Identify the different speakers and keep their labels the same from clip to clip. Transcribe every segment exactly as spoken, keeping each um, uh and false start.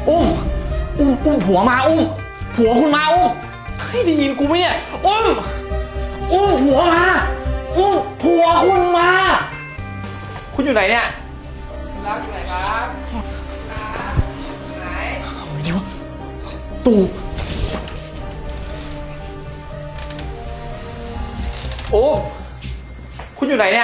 Speaker 1: อุ้มอุ้มอุ้มผัวมาอุ้มผัวคุณมาอุ้มให้ได้ยินกูไหมเนี่ยอุ้มอุ้มผัวมาอุ้มผัวคุณมาคุณอยู่ไหนเนี่ยรักอยู่ไหนครับไหนดีวะตู่โอ้คุณอยู่ไหนเนี่ย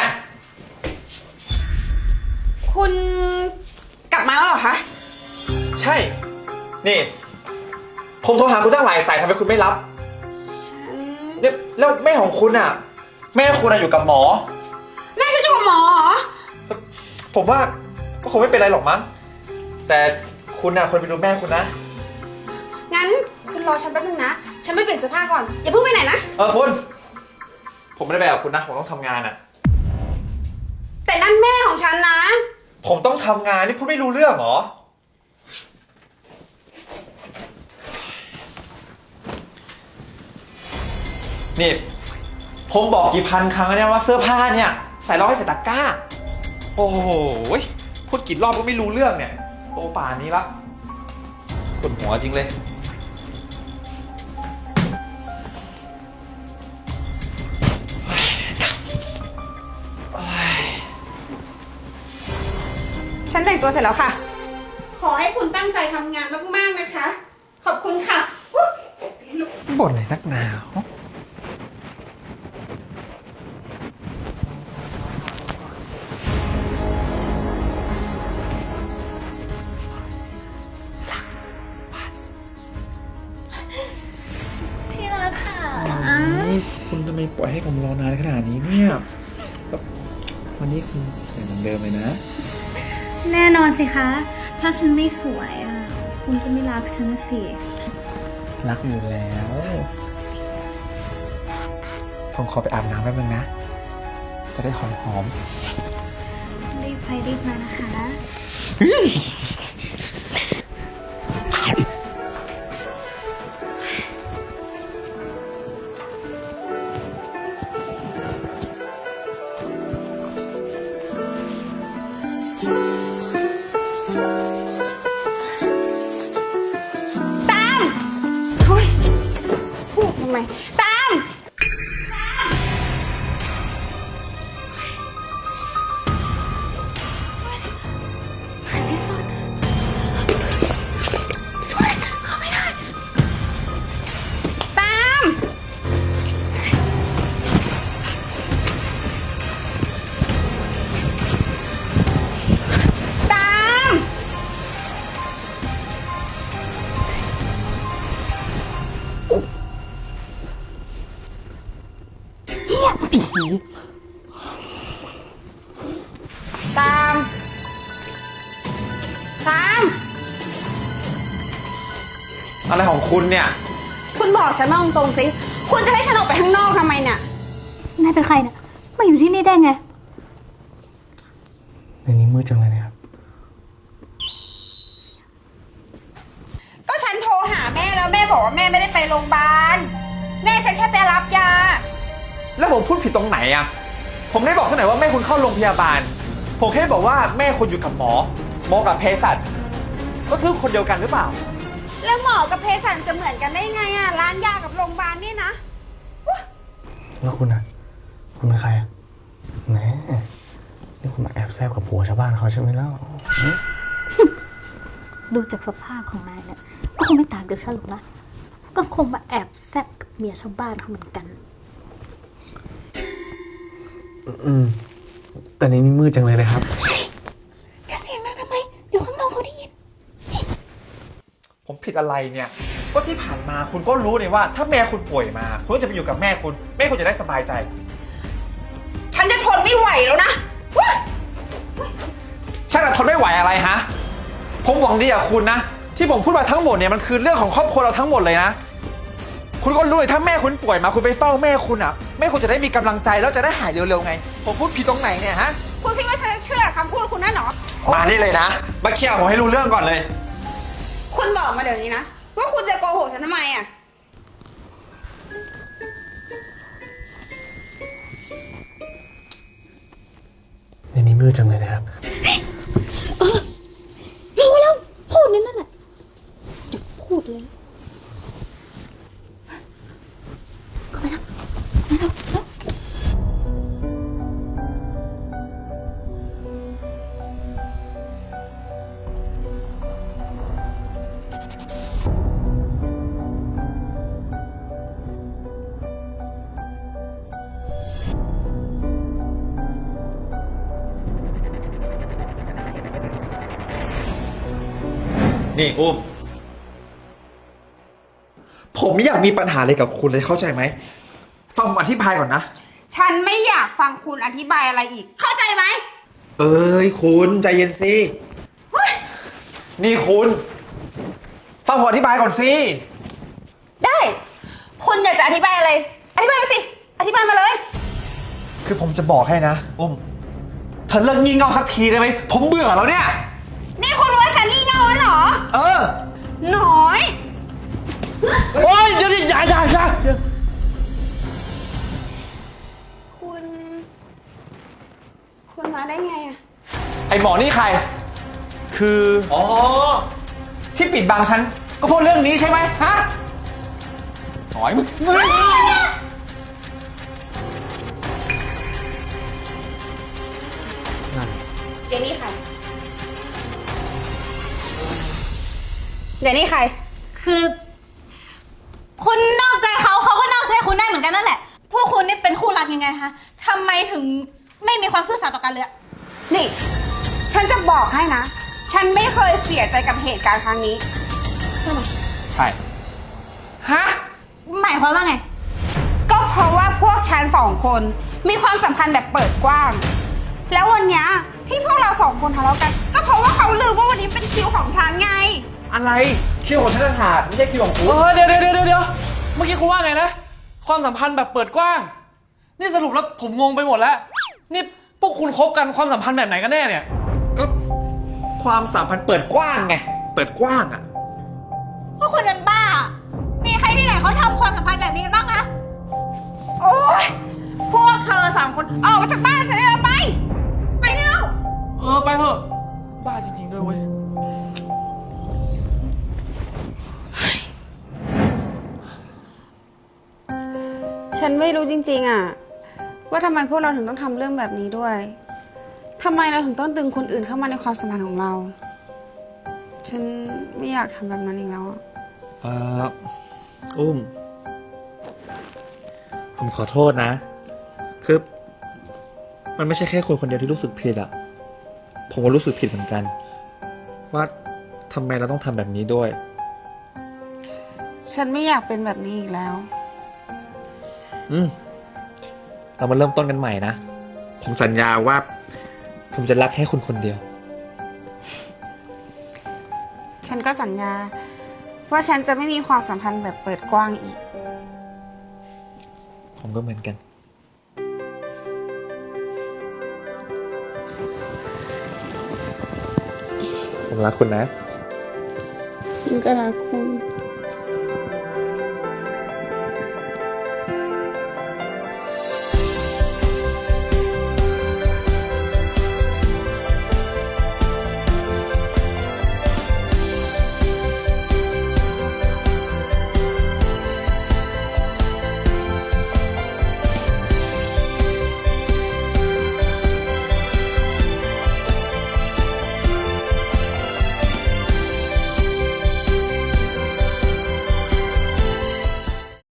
Speaker 2: คุณกลับมาแล้วเหรอคะ
Speaker 1: ใช่นี่ผมโทรหาคุณตั้งหลายสายทำไมคุณไม่รับ
Speaker 2: ฉัน
Speaker 1: เนี่ยแล้วแม่ของคุณอ่ะแม่คุณอะอยู่กับหมอ
Speaker 2: แม่ฉันอยู่กับหมอเหรอ
Speaker 1: ผมว่าก็คงไม่เป็นไรหรอกมั้งแต่คุณอ่ะควรไปดูแม่คุณนะ
Speaker 2: งั้นคุณรอฉันแป๊บนึงนะฉันไม่เปลี่ยนเสื้อผ้าก่อนอย่าเพิ่งไปไหนนะ
Speaker 1: เออคุณผมไม่ได้ไปกับคุณนะผมต้องทำงานอ่ะ
Speaker 2: แต่นั่นแม่ของฉันนะ
Speaker 1: ผมต้องทำงานนี่คุณไม่รู้เรื่องเหรอนี่ผมบอกกี่พันครั้งแล้วเนี่ยว่าเสื้อผ้าเนี่ยใส่รองให้ใส่ตะกร้าโอ้โหพูดกี่รอบก็ไม่รู้เรื่องเนี่ยโตป่านนี้ละปวดหัวจริงเลย
Speaker 2: ฉันแต่งตัวเสร็จแล้วค่ะขอให้คุณตั้งใจทำงานมากๆนะคะขอบคุณค่ะ
Speaker 1: บ่นอะไรนักหนา
Speaker 3: ที่รักค่ะ
Speaker 1: นี่คุณทำไมปล่อยให้ผมรอนานขนาดนี้เนี่ยวันนี้คุณสวยเหมือนเดิมเลยนะ
Speaker 3: แน่นอนสิคะถ้าฉันไม่สวยอ่ะคุณก็ไม่รักฉันสิ
Speaker 1: รักอยู่แล้วผมขอไปอาบน้ำแป๊บนึงนะจะได้หอมหอม
Speaker 3: รีบไปรีบมานะคะ
Speaker 2: ทำไมตามหาเสียงสดเข้าไม่ได้ตามตามตามตาม
Speaker 1: อะไรของคุณเนี่ย
Speaker 2: คุณบอกฉันมาตรงๆสิคุณจะให้ฉันออกไปข้างนอกทำไมเนี่ย
Speaker 3: นายเป็นใครเนี่ยมาอยู่ที่นี่ได้ไง
Speaker 1: ในนี้มืดจังเลยนะครับ
Speaker 2: ก็ฉันโทรหาแม่แล้วแม่บอกว่าแม่ไม่ได้ไปโรงพยาบาลแม่ฉันแค่ไปรับยา
Speaker 1: แล้วผมพูดผิดตรงไหนอ่ะผมได้บอกที่ไหนว่าแม่คุณเข้าโรงพยาบาลผมแค่บอกว่าแม่คุณอยู่กับหมอหมอกับเภสัชก็คือคนเดียวกันหรือเปล่า
Speaker 2: แล้วหมอกับเภสัชจะเหมือนกันได้ไงอ่ะร้านยากับโรงพยาบาลนี่นะ
Speaker 4: แล้วคุณอ่ะคุณเป็นใครอ่ะแหมนี่คุณมาแอบแซบกับผัวชาวบ้านเขาใช่ไหมแล้ว
Speaker 3: ดูจากสภาพของนายเนี่ยก็คงไม่ตามเดี๋ยวฉันหรอกนะก็คงมาแอบแซบกับเมียชาวบ้านเขาเหมือนกัน
Speaker 4: อืมแต่ในนี้มืดจังเลยนะครับ
Speaker 2: จะเสียงดังทำไมอยู่ข้างนอกเขาได้ยิน
Speaker 1: ผมผิดอะไรเนี่ยก็ที่ผ่านมาคุณก็รู้นี่ว่าถ้าแม่คุณป่วยมาคุณก็จะไปอยู่กับแม่คุณแม่คุณจะได้สบายใจ
Speaker 2: ฉันจะทนไม่ไหวแล้วนะ
Speaker 1: ฉันจะทนไม่ไหวอะไรฮะผมหวังดีกับคุณนะที่ผมพูดมาทั้งหมดเนี่ยมันคือเรื่องของครอบครัวเราทั้งหมดเลยนะคุณก็รู้เลยถ้าแม่คุณป่วยมาคุณไปเฝ้าแม่คุณอ่ะแม่คุณจะได้มีกำลังใจแล้วจะได้หายเร็วๆไงผมพูดผิดตรงไหนเนี่ยฮะ
Speaker 2: คุณคิดว่าฉันจะเชื่อคำพูดคุณนั่นหรอ
Speaker 1: มานี่เลยนะมาเคลียร์ผมให้รู้เรื่องก่อนเลย
Speaker 2: คุณบอกมาเดี๋ยวนี้นะว่าคุณจะโกหกฉันทำไมอ่ะ
Speaker 4: ในนี้มืดจังเลยนะครับ
Speaker 3: เออรู้แล้วพูดนั่นแหละดี เข้าไปแล้วมาแล้วแล้ว
Speaker 1: นี่อุ้มผมไม่อยากมีปัญหาอะไรกับคุณเลยเข้าใจไหมฟังผมอธิบายก่อนนะ
Speaker 2: ฉันไม่อยากฟังคุณอธิบายอะไรอีก เข้าใจไหม
Speaker 1: เอ้ยคุณใจเย็นสินี่คุณฟังผมอธิบายก่อนสิ
Speaker 2: ได้ คุณอยากจะอธิบายอะไร อธิบายมาสิ อธิบายมาเลย
Speaker 1: คือผมจะบอกให้นะอุ้มเธอเลิกงี่เง่าสักทีได้ไหมผมเบื่อแล้วเนี่ย
Speaker 2: นี่คุณว่าฉันงี่เง่าเหรอ
Speaker 1: เออ
Speaker 2: น้อย
Speaker 1: โอ๊ยเดี๋ยวอย่าอย่าอย่า
Speaker 2: คุณ คุณมาได้ไงอะ
Speaker 1: ไอหมอนี่ใคร คืออ๋อที่ปิดบังฉันก็เพราะเรื่องนี้ใช่ไหมฮะหน่อยมึงมึง
Speaker 2: เดี๋ยวนี้ใคร เดี๋ยวนี้ใคร
Speaker 3: คือ คุณนอกใจเขาเขาก็นอกใจคุณได้เหมือนกันนั่นแหละ พวกคุณนี่เป็นคู่รักยังไงคะทำไมถึงไม่มีความซื่อสัตย์ต่อกันเลยอะ
Speaker 2: นี่ ฉันจะบอกให้นะ ฉันไม่เคยเสียใจกับเหตุการณ์ครั้งนี้
Speaker 1: ใช่ฮะ
Speaker 3: หมายความว่าไง
Speaker 2: ก็เพราะว่าพวกฉันสองคนมีความสัมพันธ์แบบเปิดกว้าง แล้ววันเนี้ยที่พวกเราสองคนทะเลาะกัน ก็เพราะว่าเขาลืมว่าวันนี้เป็นคิวของฉันไง
Speaker 1: อะไรคิวของฉันต่างหากไม่ใช่คิวของคุณเออเดี๋ยวเดี๋ยวเดี๋ยวเดี๋ยวเมื่อกี้คุณว่าไงนะความสัมพันธ์แบบเปิดกว้างนี่สรุปแล้วผมงงไปหมดแล้วนี่พวกคุณคบกันความสัมพันธ์แบบไหนกันแน่เนี่ยก็ความสัมพันธ์เปิดกว้างไงเปิดกว้างอ่ะ
Speaker 3: พวกคุณนั้นบ้า มีใครที่ไหนเขาทำความสัมพันธ์แบบนี้กันบ้างคะ
Speaker 2: โอ๊ย พวกเธอสามคนออกมาจากบ้านฉันเลยไป ไปเร็ว
Speaker 1: เออไปเถอะบ้าจริงๆด้วยเว้ย
Speaker 2: ฉันไม่รู้จริงๆอ่ะว่าทำไมพวกเราถึงต้องทำเรื่องแบบนี้ด้วยทำไมเราถึงต้องดึงคนอื่นเข้ามาในความสัมพันธ์ของเรา ฉันไม่อยากทำแบบนั้นอีกแล้วอ่ะ
Speaker 1: เอออุ้มผมขอโทษนะคือมันไม่ใช่แค่คนคนเดียวที่รู้สึกผิดอะผมก็รู้สึกผิดเหมือนกัน ว่าทำไมเราต้องทำแบบนี้ด้วย
Speaker 2: ฉันไม่อยากเป็นแบบนี้อีกแล้ว
Speaker 1: อืมเรามาเริ่มต้นกันใหม่นะ ผมสัญญาว่า ผมจะรักแค่คุณคนเดียว
Speaker 2: ฉันก็สัญญา ว่าฉันจะไม่มีความสัมพันธ์แบบเปิดกว้างอีก
Speaker 1: ผมก็เหมือนกัน ผมรักคุณนะ
Speaker 2: ฉันก็รักคุณ